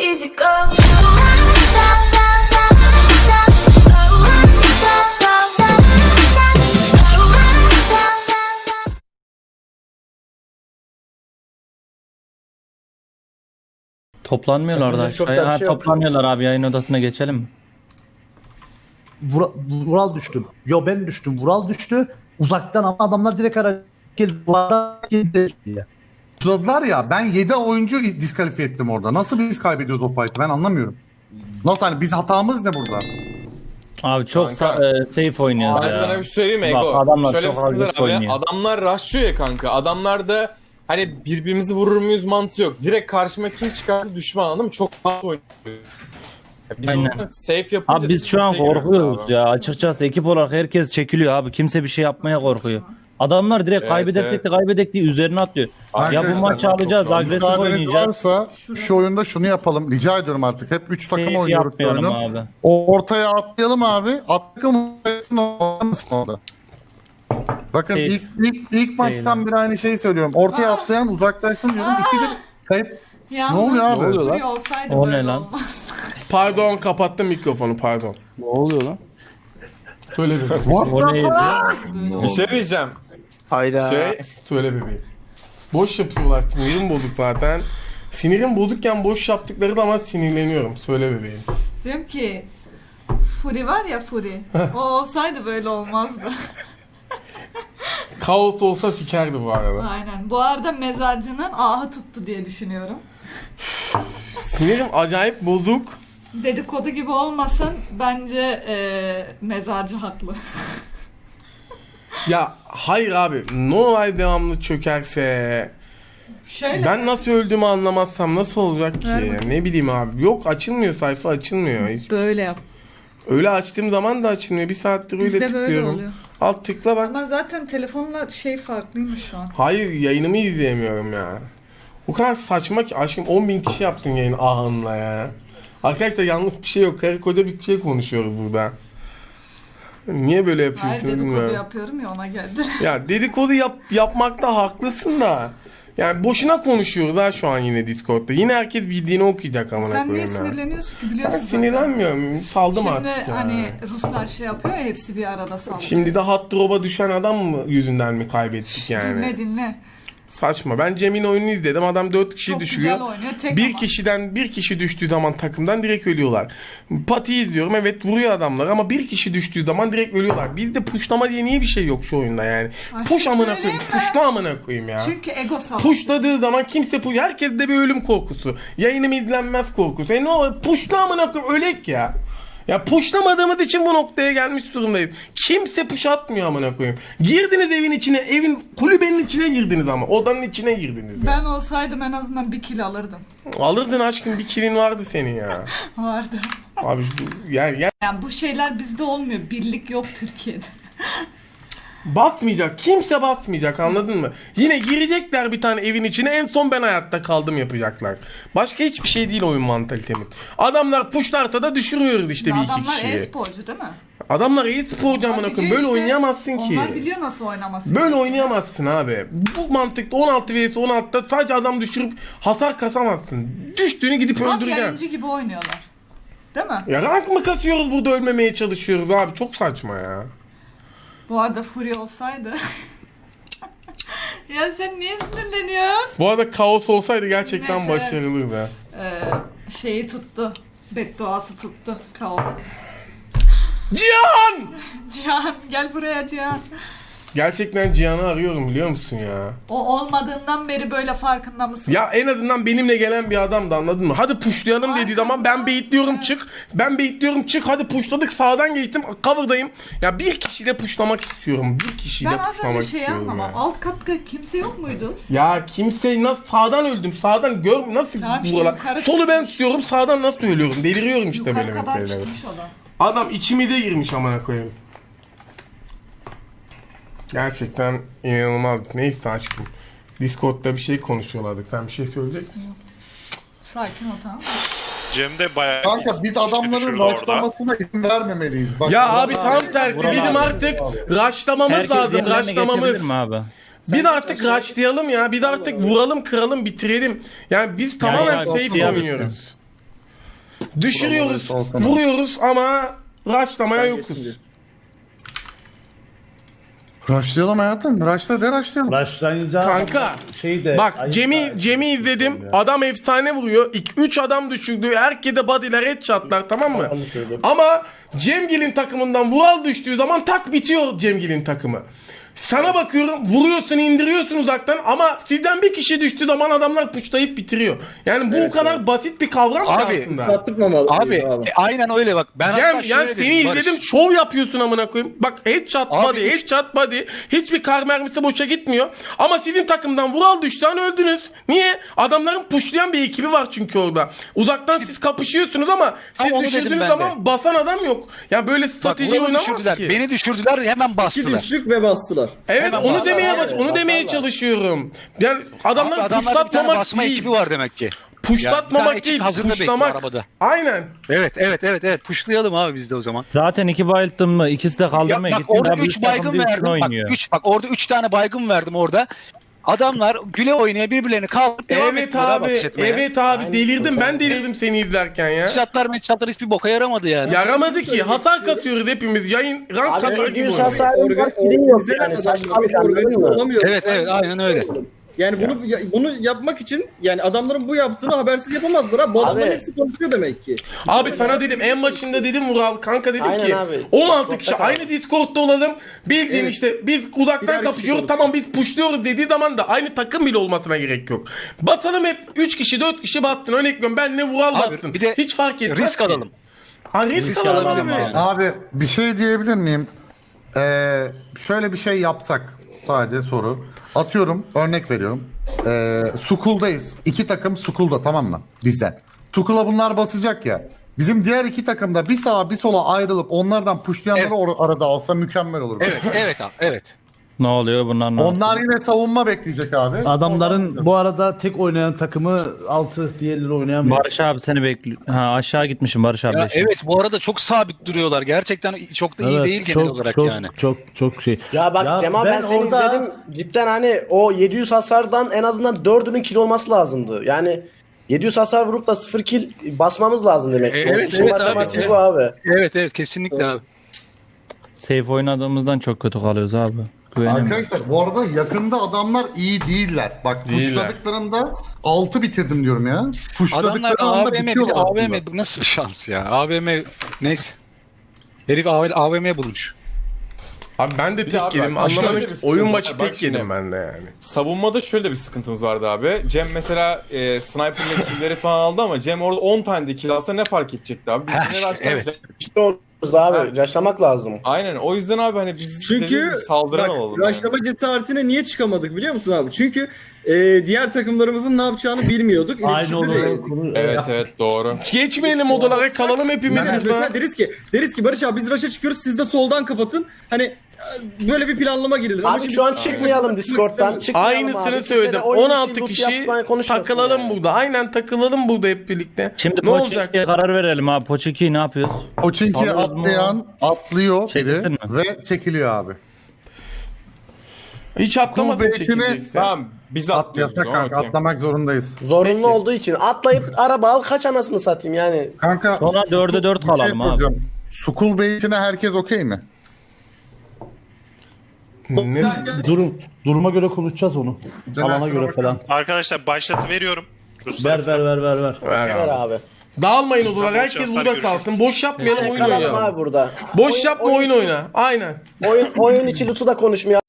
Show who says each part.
Speaker 1: easy go.
Speaker 2: Toplanmıyorlar da.
Speaker 3: Yapacak çok da bir şey yok.
Speaker 2: Toplanıyorlar abi, yayın odasına geçelim mi?
Speaker 3: Vural düştü. Yo ben düştüm. Vural düştü. Uzaktan ama adamlar direkt ara geldi. Vural'dan geldi diye.
Speaker 4: Başladılar ya, ben 7 oyuncu diskalifiye ettim orada. Nasıl biz kaybediyoruz o fight'ı, ben anlamıyorum. Nasıl, hani biz hatamız ne burada?
Speaker 2: Abi çok
Speaker 5: Kanka,
Speaker 2: safe oynuyoruz
Speaker 5: Ben
Speaker 2: ya.
Speaker 5: sana bir şey söyleyeyim mi
Speaker 2: Bak,
Speaker 5: Ego?
Speaker 2: adamlar
Speaker 5: Şöyle
Speaker 2: çok
Speaker 5: bir sıkıntı
Speaker 2: agresif
Speaker 5: var abi.
Speaker 2: oynuyor.
Speaker 5: Adamlar rushlıyor ya kanka. Adamlarda hani birbirimizi vurur muyuz mantığı yok. Direkt karşıma kim çıkarsa düşman, anladın mı? Çok rahat oynuyor. Biz
Speaker 2: Aynen.
Speaker 5: onu safe yapınca
Speaker 2: Abi biz şu an
Speaker 5: sıkıntıya giriyoruz
Speaker 2: korkuyoruz
Speaker 5: abi.
Speaker 2: ya. Açıkçası ekip olarak herkes çekiliyor abi. Kimse bir şey yapmaya korkuyor. Adamlar direkt
Speaker 5: Evet,
Speaker 2: kaybedersek
Speaker 5: evet.
Speaker 2: de kaybedek diye üzerine atlıyor. Ya bu
Speaker 4: Arkadaşlar,
Speaker 2: maçı alacağız, agresif
Speaker 4: Müsaadeniz
Speaker 2: oynayacağız.
Speaker 4: varsa şu oyunda şunu yapalım. Rica ediyorum artık. Hep 3 takım
Speaker 2: Safe
Speaker 4: oynuyoruz bu
Speaker 2: yapmayalım
Speaker 4: oyunu.
Speaker 2: abi.
Speaker 4: Ortaya atlayalım abi. Takım olmasın orada. Bakın
Speaker 2: Safe.
Speaker 4: ilk maçtan beri aynı şeyi söylüyorum. Ortaya atlayan uzaklaşsın diyorum. İkidir kayıp.
Speaker 6: Yalnız
Speaker 4: Ne oluyor abi?
Speaker 3: Ne oluyor lan?
Speaker 6: Fury olsaydı
Speaker 2: O
Speaker 6: böyle
Speaker 2: ne lan?
Speaker 6: olmaz.
Speaker 7: Pardon, kapattım mikrofonu, pardon.
Speaker 3: Ne oluyor lan?
Speaker 7: Söyle bebeğim.
Speaker 2: O neydi?
Speaker 5: Bir şey diyeceğim.
Speaker 3: Hayda.
Speaker 7: Söyle bebeğim. Boş yapıyorlar, sinirim bozuk zaten. Sinirim bozukken boş yaptıkları zaman sinirleniyorum. Söyle bebeğim.
Speaker 6: Diyorum ki Fury var ya Fury. O olsaydı böyle olmazdı.
Speaker 7: Kaos olsa sikerdi bu arada.
Speaker 6: Aynen. Bu arada mezarcının ahı tuttu diye düşünüyorum.
Speaker 7: Sinirim acayip bozuk.
Speaker 6: Dedikodu gibi olmasın. Bence mezarcı haklı.
Speaker 7: Ya hayır abi, Noray devamlı çökerse...
Speaker 6: Şöyle.
Speaker 7: Ben nasıl öldüğümü anlamazsam nasıl olacak ki?
Speaker 6: Ver
Speaker 7: Ne bileyim abi. Yok, açılmıyor, sayfa açılmıyor. Hiç.
Speaker 6: Böyle yap.
Speaker 7: Öyle açtığım zaman da açılmıyor. Bir saattir öyle
Speaker 6: Bizde böyle
Speaker 7: tıklıyorum.
Speaker 6: oluyor.
Speaker 7: Alt tıkla bak.
Speaker 6: Ama zaten telefonla şey farklıymış şu an.
Speaker 7: Hayır, yayınımı izleyemiyorum ya. O kadar saçma ki aşkım, 10.000 kişi yaptın yayın ahınla ya. Arkadaşlar yanlış bir şey yok. Karı koca bir şey konuşuyoruz burada. Niye böyle
Speaker 6: Hayır
Speaker 7: yapıyorsun
Speaker 6: dedikodu
Speaker 7: bilmiyorum.
Speaker 6: yapıyorum ya ona geldi.
Speaker 7: Ya dedikodu yapmakta haklısın da. Yani boşuna konuşuyoruz ha şu an yine Discord'da. Yine herkes bildiğini okuyacak amına
Speaker 6: Sen niye
Speaker 7: koyayım ya.
Speaker 6: sinirleniyorsun ki
Speaker 7: Ben
Speaker 6: biliyorsun zaten.
Speaker 7: sinirlenmiyorum. Saldım
Speaker 6: Şimdi
Speaker 7: artık ya.
Speaker 6: hani Ruslar şey yapıyor ya hepsi bir arada saldırıyor.
Speaker 7: Şimdi de hot drop'a düşen adam mı yüzünden mi kaybettik yani?
Speaker 6: Dinle.
Speaker 7: Saçma. Ben Cem'in oyununu izledim. Adam 4 kişi
Speaker 6: Çok
Speaker 7: düşürüyor.
Speaker 6: güzel oynuyor. Tek
Speaker 7: Bir
Speaker 6: ama.
Speaker 7: kişiden bir kişi düştüğü zaman takımdan direkt ölüyorlar. Pati izliyorum, evet vuruyor adamlar ama bir kişi düştüğü zaman direkt ölüyorlar. Bizde pushlama diye niye bir şey yok şu oyunda yani?
Speaker 6: Ay,
Speaker 7: Push
Speaker 6: şey
Speaker 7: amına
Speaker 6: söyleyeyim
Speaker 7: koyayım.
Speaker 6: mi?
Speaker 7: Pushla amına koyayım ya.
Speaker 6: Çünkü ego savaşı.
Speaker 7: Pushladığı zaman kimse herkeste bir ölüm korkusu. Yayınım izlenmez korkusu. Ne olur pushla amına koyayım, ölek ya. Ya pushlamadığımız için bu noktaya gelmiş durumdayız. Kimse push atmıyor amına koyayım. Girdiniz evin içine, evin kulübenin içine girdiniz ama odanın içine girdiniz.
Speaker 6: Ben olsaydım en azından bir kill alırdım.
Speaker 7: Alırdın aşkım, bir kilin vardı senin ya.
Speaker 6: Vardı.
Speaker 7: Abi yani
Speaker 6: Yani bu şeyler bizde olmuyor. Birlik yok Türkiye'de.
Speaker 7: basmayacak. Kimse basmayacak, anladın mı? Yine girecekler bir tane evin içine, en son ben hayatta kaldım yapacaklar. Başka hiçbir şey değil oyun mantalitemiz. Adamlar pushlarsa da düşürüyoruz işte bir iki
Speaker 6: Adamlar
Speaker 7: kişiyi.
Speaker 6: e-sporcu değil mi?
Speaker 7: Adamlar e-sporcu amına
Speaker 6: Onlar
Speaker 7: koyayım.
Speaker 6: biliyor
Speaker 7: Böyle
Speaker 6: işte.
Speaker 7: oynayamazsın ki.
Speaker 6: Onlar biliyor nasıl oynaması.
Speaker 7: Böyle oynayamazsın abi. Bu mantıkta 16 vs 16'da sadece adam düşürüp hasar kasamazsın. Düştüğünü gidip
Speaker 6: Tam
Speaker 7: öldüreceksin.
Speaker 6: yayıncı gibi oynuyorlar. Değil mi?
Speaker 7: Ya rank mı kasıyoruz burada, ölmemeye çalışıyoruz abi, çok saçma ya.
Speaker 6: Bu arada Fury olsaydı. Ya sen niye sinirleniyorsun?
Speaker 7: Bu arada kaos olsaydı gerçekten
Speaker 6: Evet, evet.
Speaker 7: başarılıydı.
Speaker 6: Şeyi tuttu. Bedduası tuttu. Kaos.
Speaker 7: Cihan!
Speaker 6: Cihan gel buraya Cihan.
Speaker 7: Gerçekten Cihan'ı arıyorum, biliyor musun ya?
Speaker 6: O olmadığından beri böyle farkında mısın?
Speaker 7: Ya en azından benimle gelen bir adamdı, anladın mı? Hadi pushlayalım dediği zaman ben baitliyorum, çık. Ben baitliyorum, çık. Hadi pushladık, sağdan geçtim, cover'dayım. Ya bir kişiyle pushlamak istiyorum. Bir kişiyle
Speaker 6: Ben az
Speaker 7: pushlamak
Speaker 6: önce şeyi
Speaker 7: istiyorum
Speaker 6: anlamam.
Speaker 7: ya.
Speaker 6: Alt katta kimse yok muydu?
Speaker 7: Ya kimse nasıl sağdan öldüm, sağdan nasıl
Speaker 6: Tamam işte
Speaker 7: buralar.
Speaker 6: yukarı
Speaker 7: Solu ben
Speaker 6: çıkmış.
Speaker 7: tutuyorum, sağdan nasıl ölüyorum, deliriyorum işte
Speaker 6: Yukarı
Speaker 7: böyle
Speaker 6: kadar
Speaker 7: meseleler.
Speaker 6: çıkmış adam.
Speaker 7: Adam içimize girmiş amına koyayım. Gerçekten inanılmaz. Neyse aşkım. Discord'da bir şey konuşuyorlardı. Sen bir şey söyleyecek misin?
Speaker 6: Sakin ol tamam mı?
Speaker 8: Cem de bayağı
Speaker 4: Kanka biz adamların
Speaker 8: düşürdü orada.
Speaker 4: başlamasına izin vermemeliyiz. Bak,
Speaker 7: Ya
Speaker 4: adam-
Speaker 7: abi tam tersi.
Speaker 2: Vural
Speaker 7: Bizim
Speaker 2: abi.
Speaker 7: artık rushlamamız
Speaker 2: Herkes
Speaker 7: lazım.
Speaker 2: yerlerine
Speaker 7: Rushlamamız.
Speaker 2: geçebilir mi abi?
Speaker 7: Bir de artık rushlayalım ya. Bir de artık vuralım, kıralım, bitirelim. Yani biz tamamen
Speaker 2: ya,
Speaker 7: safe
Speaker 2: ya,
Speaker 7: oynuyoruz. Düşürüyoruz,
Speaker 4: Buraları olsana.
Speaker 7: vuruyoruz ama rushlamaya yokuz.
Speaker 4: Rushlayalım hayatım. Rushla de rushlayalım.
Speaker 3: Başlayınca
Speaker 7: Kanka
Speaker 3: şeyde
Speaker 7: bak Cem'i izledim. Adam efsane vuruyor. 3 adam düşürdü. Herkese body'ler, headshot'lar, tamam mı? Ama Cemgil'in takımından Vural düştüğü zaman tak bitiyor Cemgil'in takımı. Sana bakıyorum, vuruyorsun, indiriyorsun uzaktan ama sizden bir kişi düştüğü zaman adamlar pushlayıp bitiriyor. Yani bu o kadar basit bir kavram ki
Speaker 1: Abi,
Speaker 7: aslında.
Speaker 1: Abi aynen öyle bak. Ben
Speaker 7: Cem
Speaker 1: hatta
Speaker 7: yani
Speaker 1: şöyle
Speaker 7: seni
Speaker 1: dedim, Barış.
Speaker 7: izledim, şov yapıyorsun amına koyayım. Bak headshot
Speaker 1: Abi
Speaker 7: body, headshot body. Hiçbir kar mermisi boşa gitmiyor. Ama sizin takımdan Vural düştü an öldünüz. Niye? Adamların pushlayan bir ekibi var çünkü orada. Uzaktan siz kapışıyorsunuz ama siz
Speaker 1: onu dedim
Speaker 7: düşürdüğünüz
Speaker 1: ben
Speaker 7: zaman basan adam yok. Ya böyle
Speaker 1: Bak
Speaker 7: strateji
Speaker 1: Vural'ı
Speaker 7: oynamaz
Speaker 1: düşürdüler.
Speaker 7: ki.
Speaker 1: Beni düşürdüler hemen bastılar.
Speaker 8: ve bastılar.
Speaker 7: Evet
Speaker 1: Hemen
Speaker 7: onu
Speaker 1: basarlar.
Speaker 7: demeye çalışıyorum. Yani adamlar
Speaker 1: Adamlarda bir tane
Speaker 7: puşlatmamak
Speaker 1: basma
Speaker 7: değil.
Speaker 1: ekibi var demek ki. Ya, bir
Speaker 7: Puşlatmamak
Speaker 1: tane ekip
Speaker 7: değil,
Speaker 1: hazırda bekliyor
Speaker 7: puşlamak.
Speaker 1: arabada.
Speaker 7: Aynen.
Speaker 1: Evet. Puşlayalım abi biz de o zaman.
Speaker 2: Zaten 2 bayılttım mı? İkisi de
Speaker 1: Ya
Speaker 2: kaldırmaya
Speaker 1: bak
Speaker 2: gitti.
Speaker 1: orada
Speaker 2: Daha
Speaker 1: 3
Speaker 2: büyük takım
Speaker 1: baygın
Speaker 2: bir üstüne
Speaker 1: verdim.
Speaker 2: oynuyor.
Speaker 1: Bak orada 3 tane baygın verdim orada. Adamlar güle oynaya birbirlerini kaldırıp devam
Speaker 7: Evet
Speaker 1: ettiler
Speaker 7: abi,
Speaker 1: ateş etmeye.
Speaker 7: evet abi delirdim. Ben delirdim seni izlerken ya.
Speaker 1: Headshotlar hiçbir boka yaramadı yani.
Speaker 7: Yaramadı ki. Hasar kasıyoruz hepimiz. Yayın rank kasar gibi oynuyor.
Speaker 8: Hasarın yok yani saçmalık anladın mı?
Speaker 1: Evet aynen öyle.
Speaker 8: Yani bunu yapmak için yani adamların bu yaptığını habersiz yapamazlar ha. Bu adamların hepsi konuşuyor demek ki.
Speaker 7: Abi sana dedim en başında dedim Vural kanka dedim
Speaker 9: Aynen
Speaker 7: ki
Speaker 9: abi.
Speaker 7: 16 kişi aynı Discord'da olalım. Bildiğin
Speaker 8: Evet.
Speaker 7: işte biz uzaktan
Speaker 8: Birer kişi
Speaker 7: kapışıyoruz
Speaker 8: konuşuyor.
Speaker 7: tamam biz pushluyoruz dediği zaman da aynı takım bile olmasına gerek yok. Basalım hep 3 kişi 4 kişi battın örnek veriyorum benle Vural
Speaker 1: Abi,
Speaker 7: battın.
Speaker 1: bir de
Speaker 7: Hiç fark etmez
Speaker 1: risk
Speaker 7: ki.
Speaker 1: alalım.
Speaker 7: Ha risk
Speaker 1: Risk
Speaker 7: alalım
Speaker 1: alabiliriz
Speaker 7: abi.
Speaker 1: yani.
Speaker 4: Abi bir şey diyebilir miyim? Şöyle bir şey yapsak sadece soru. Atıyorum örnek veriyorum. Sukul'dayız. 2 takım Sukul'da tamam mı? Bizden. Sukul'a bunlar basacak ya. Bizim diğer 2 takım da bir sağa bir sola ayrılıp onlardan pushlayanları
Speaker 1: Evet.
Speaker 4: arada alsa mükemmel olur.
Speaker 1: Evet abi evet.
Speaker 2: Ne oluyor bunlar? Ne
Speaker 4: Onlar yine savunma bekleyecek abi.
Speaker 3: adamların bu arada tek oynayan takımı 6 diğerleri oynayamıyor.
Speaker 2: Barış abi seni bekliyor. Ha aşağı gitmişim Barış abi.
Speaker 1: Ya
Speaker 2: de şimdi.
Speaker 1: evet bu arada çok sabit duruyorlar. Gerçekten çok da iyi değil genel olarak yani.
Speaker 3: Çok şey.
Speaker 9: Ya bak Cemal ben seni
Speaker 3: orada-
Speaker 9: izledim. Cidden hani o 700 hasardan en azından 4'ünün kill olması lazımdı. Yani 700 hasar vurup da 0 kill basmamız lazım demek ki.
Speaker 1: Evet,
Speaker 9: İşin
Speaker 1: evet
Speaker 9: matematiği
Speaker 1: abi.
Speaker 9: bu abi.
Speaker 1: Evet kesinlikle abi.
Speaker 2: Safe oynadığımızdan çok kötü kalıyoruz abi. Güvenemiyorum.
Speaker 4: Arkadaşlar bu arada yakında adamlar iyi değiller. Bak
Speaker 7: Değiller.
Speaker 4: pushladıklarında 6 bitirdim diyorum ya.
Speaker 1: Adamlar
Speaker 4: Pushladıkları anda
Speaker 1: AVM bir de
Speaker 4: bitiyorlar aslında.
Speaker 1: AVM bu nasıl bir şans ya? AVM neyse. Herif AVM bulmuş.
Speaker 7: Abi ben de
Speaker 5: Bir de
Speaker 7: tek
Speaker 5: abi
Speaker 7: yedim.
Speaker 5: bak, şöyle
Speaker 7: Anlamadım.
Speaker 5: bir sıkıntı
Speaker 7: Oyun
Speaker 5: var.
Speaker 7: başı
Speaker 5: Bak
Speaker 7: tek
Speaker 5: şimdi.
Speaker 7: yedim ben de yani.
Speaker 5: Savunmada şöyle bir sıkıntımız vardı abi. Cem mesela sniper'la kill'leri falan aldı ama Cem orada 10 tane de kill alsa ne fark edecekti abi? Biz
Speaker 1: Heh,
Speaker 5: yine rushlamayacak.
Speaker 1: evet.
Speaker 9: İşte oluruz abi. Yaşamak lazım.
Speaker 5: Aynen o yüzden abi hani biz
Speaker 8: Çünkü
Speaker 5: dediğimiz gibi saldıran
Speaker 8: bak
Speaker 5: olalım. yani.
Speaker 8: rushlama cesaretine niye çıkamadık biliyor musun abi? Çünkü diğer takımlarımızın ne yapacağını bilmiyorduk.
Speaker 3: Aynı
Speaker 8: İletişimde
Speaker 3: olarak
Speaker 8: değildik.
Speaker 3: konu.
Speaker 5: Evet doğru.
Speaker 7: Geçmeyelim odalara kalalım hepimiz
Speaker 8: Yani
Speaker 7: burada.
Speaker 8: mesela deriz ki Barış abi biz rush'a çıkıyoruz siz de soldan kapatın. Hani böyle bir planlama girilir. Ama
Speaker 9: Abi
Speaker 8: şimdi-
Speaker 9: şu an çıkmayalım Discord'dan. Çıkmayalım
Speaker 7: Aynısını
Speaker 9: abi.
Speaker 7: söyledim.
Speaker 9: Kimse de oyun için
Speaker 7: 16
Speaker 9: loot
Speaker 7: kişi
Speaker 9: yapmaya konuşmasın
Speaker 7: takılalım
Speaker 9: yani.
Speaker 7: burada. Aynen takılalım burada hep birlikte.
Speaker 2: Şimdi
Speaker 7: ne olacak?
Speaker 2: Poçinki'ye karar verelim abi. Poçinki'yi ne yapıyoruz?
Speaker 4: Poçinki'ye
Speaker 2: Alırız mı?
Speaker 4: atlayan atlıyor
Speaker 2: Çekilsin
Speaker 4: biri
Speaker 2: mi?
Speaker 4: ve çekiliyor abi.
Speaker 7: Hiç atlamadın
Speaker 4: Kuvvetini-
Speaker 7: çekileceksin.
Speaker 5: Tamam biz
Speaker 4: At
Speaker 5: atlıyoruz.
Speaker 4: yasak kanka
Speaker 5: Okey.
Speaker 4: atlamak zorundayız.
Speaker 9: Zorunlu
Speaker 7: Peki.
Speaker 9: olduğu için atlayıp araba al kaç anasını satayım yani.
Speaker 4: Kanka
Speaker 2: Sonra 4'e 4
Speaker 4: bir şey
Speaker 2: kalalım abi.
Speaker 4: soracağım. Sukul beytine herkes okey mi?
Speaker 7: Ne?
Speaker 3: Duruma göre konuşacağız onu.
Speaker 4: Caner,
Speaker 3: Alana
Speaker 4: şuna
Speaker 3: göre
Speaker 4: bakar
Speaker 3: falan.
Speaker 4: mısın?
Speaker 10: Arkadaşlar başlatı veriyorum. Ruslar
Speaker 3: Ver.
Speaker 7: Ver
Speaker 9: Ver
Speaker 7: abi.
Speaker 9: abi.
Speaker 7: Dağılmayın odalara.
Speaker 10: Tamam,
Speaker 7: Herkes
Speaker 10: şanslar
Speaker 7: burada
Speaker 10: görüşürüz.
Speaker 7: kalsın. Boş yapmayalım oyun
Speaker 9: Kalalım
Speaker 7: oynayalım.
Speaker 9: abi burada.
Speaker 7: Boş yapma oyun
Speaker 9: için-
Speaker 7: oyna. Aynen.
Speaker 9: Oyun içi loot'u da konuşmuyor